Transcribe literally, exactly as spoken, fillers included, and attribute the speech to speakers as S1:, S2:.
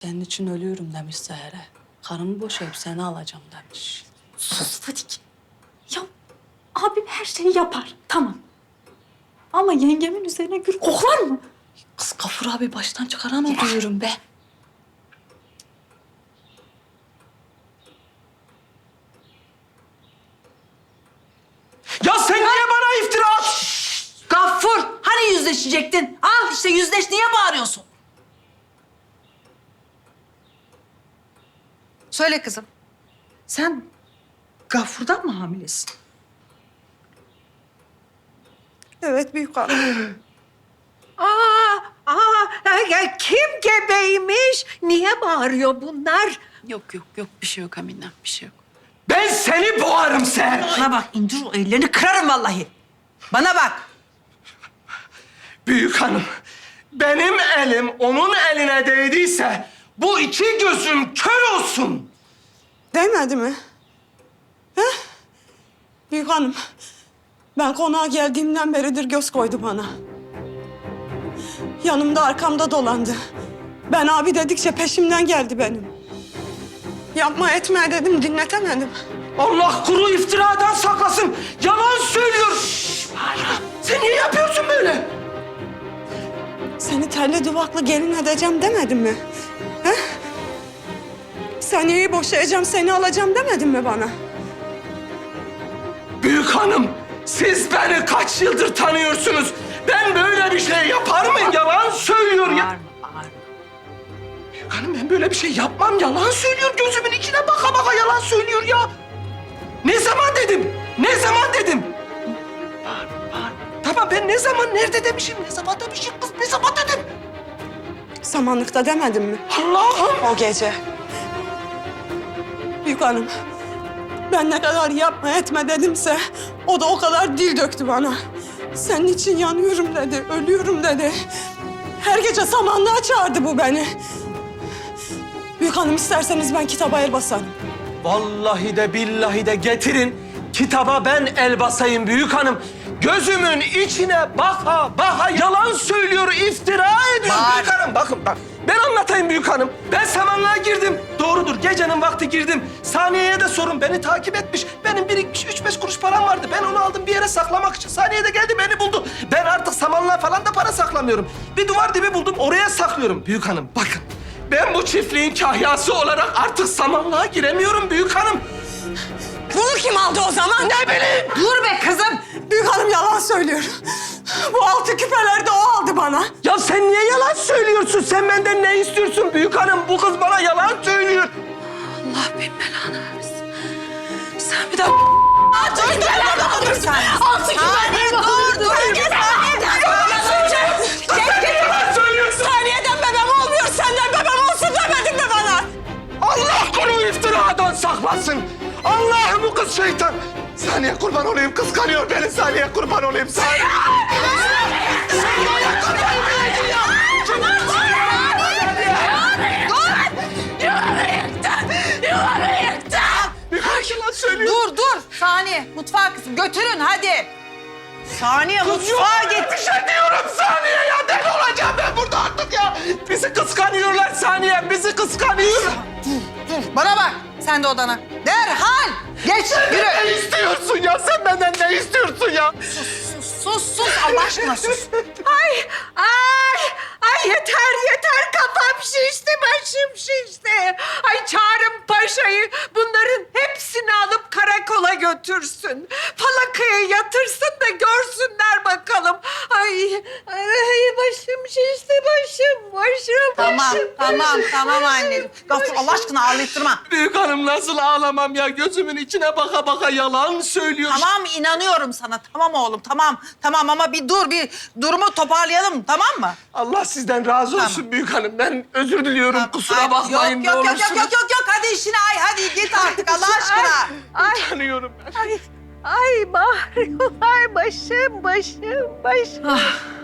S1: Senin için ölüyorum demiş Seher'e. Karımı boşayıp seni alacağım demiş.
S2: Sus Fadik. Ya abim her şeyi yapar. Tamam. Ama yengemin üzerine gül koklar mı?
S1: Kız Gafur abi baştan çıkaran o diyorum be.
S3: Ya sen niye bana iftira at?
S4: Gaffur, hani yüzleşecektin? Al işte yüzleş, niye bağırıyorsun? Söyle kızım. Sen Gaffur'dan mı hamilesin?
S5: Evet büyük hanım.
S6: Aa, aa, ya kim gebeymiş? Niye bağırıyor bunlar?
S1: Yok yok yok bir şey yok Aminem bir şey yok.
S3: Ben seni boğarım Seher.
S4: Bana bak, indir o ellerini kırarım vallahi. Bana bak.
S3: Büyük hanım, benim elim onun eline değdiyse bu iki gözüm kör olsun.
S5: Değmedi mi? He? Büyük hanım, ben konağa geldiğimden beridir göz koydu bana. Yanımda arkamda dolandı. Ben abi dedikçe peşimden geldi benim. Yapma etme dedim, dinletemedim.
S3: Allah kuru iftiradan saklasın. Yalan söylüyor. Sen niye yapıyorsun böyle?
S5: Seni terli duvaklı gelin edeceğim demedim mi? He? Saniyeyi boşayacağım, seni alacağım demedin mi bana?
S3: Büyük hanım, siz beni kaç yıldır tanıyorsunuz? Ben böyle bir şey yapar mıyım? Yalan söylüyor ya.
S4: Bağırma, bağırma.
S3: Büyük hanım ben böyle bir şey yapmam. Yalan söylüyor. Gözümün içine baka baka yalan söylüyor ya. Ne zaman dedim? Ne zaman dedim? Bağırma, bağırma. Tamam ben ne zaman, nerede demişim? Ne zaman demişim kız? Ne zaman dedim?
S5: Samanlıkta demedim mi?
S3: Allah'ım.
S5: O gece. Büyük hanım, ben ne kadar yapma etme dedimse o da o kadar dil döktü bana. Senin için yanıyorum dedi, ölüyorum dedi. Her gece samanlığa çağırdı bu beni. Büyük hanım isterseniz ben kitaba el basarım.
S3: Vallahi de billahi de getirin. Kitaba ben el basayım büyük hanım. Gözümün içine baka baka yalan söylüyor, iftira ediyor
S4: Bağır.
S3: büyük hanım. Bakın bak, ben anlatayım büyük hanım. Ben samanlığa girdim. Doğrudur, gecenin vakti girdim. Saniye'ye de sorun, beni takip etmiş. Benim birikmiş üç beş kuruş param vardı. Ben onu aldım bir yere saklamak için. Saniye de geldi beni buldu. Ben artık samanlığa falan da para saklamıyorum. Bir duvar dibi buldum, oraya saklıyorum büyük hanım. Bakın, ben bu çiftliğin kahyası olarak artık samanlığa giremiyorum büyük hanım.
S5: Bunu kim aldı o zaman?
S3: Ne bileyim.
S4: Dur be kızım.
S5: Büyük hanım yalan söylüyor. Bu altı küpeleri de o aldı bana.
S3: Ya sen niye yalan söylüyorsun? Sen benden ne istiyorsun büyük hanım? Bu kız bana yalan söylüyor.
S1: Allah bin belanı versin. Sen bir de
S4: Altı küpeler dur sen. Altı küpeler dur dur.
S3: Yalan söylüyorsun.
S5: Saniyeden bebem olmuyor, senden bebem olsun demedin mi bana?
S3: Allah konu iftiradan saklasın. Allah'ım bu kız şeytan. Saniye kurban olayım, kıskanıyor beni. Saniye kurban olayım. Saniye. Saniye kurban olayım. Büyük yalan söylüyor.
S4: Dur dur. Saniye. Mutfağa kızım. Götürün hadi. Saniye mutfağa
S3: Yok,
S4: git.
S3: bir şey diyorum Saniye ya. Deli olacağım ben burada artık ya. Bizi kıskanıyorlar Saniye. Bizi kıskanıyor.
S4: Bana bak. Sen de odana. Derhal. Geç yürü.
S3: Ne istiyorsun ya? Sen benden ne istiyorsun ya?
S4: Sus sus sus. Allah aşkına sus.
S6: Ay, ay, ay yeter yeter kafam şişti, başım şişti. Ay çağırın paşayı, bunların hepsini alıp karakola götürsün. Falakaya yatırsın da görsünler bakalım. Ay, ay başım şişti, başım, başım,
S4: Tamam
S6: başım.
S4: tamam
S6: başım,
S4: tamam
S6: başım,
S4: anneciğim. Gafur Allah aşkına ağlayıttırma.
S3: Büyük hanım nasıl ağlamam ya? Gözümün içine baka baka yalan söylüyor.
S4: Tamam inanıyorum sana. Tamam oğlum tamam. Tamam ama bir dur bir durumu toparlayalım tamam mı?
S3: Allah sizden razı olsun
S4: Tamam.
S3: büyük hanım. Ben özür diliyorum. Kusura
S4: Ay,
S3: bakmayın
S4: yok,
S3: ne
S4: yok, yok,
S3: olursunuz.
S4: yok, yok, yok, yok. Hadi işine ay. Hadi git artık Allah aşkına.
S6: Ay,
S3: Tanıyorum ben.
S6: ay, ay bağırıyorlar, başım, başım, başım.
S1: Ah,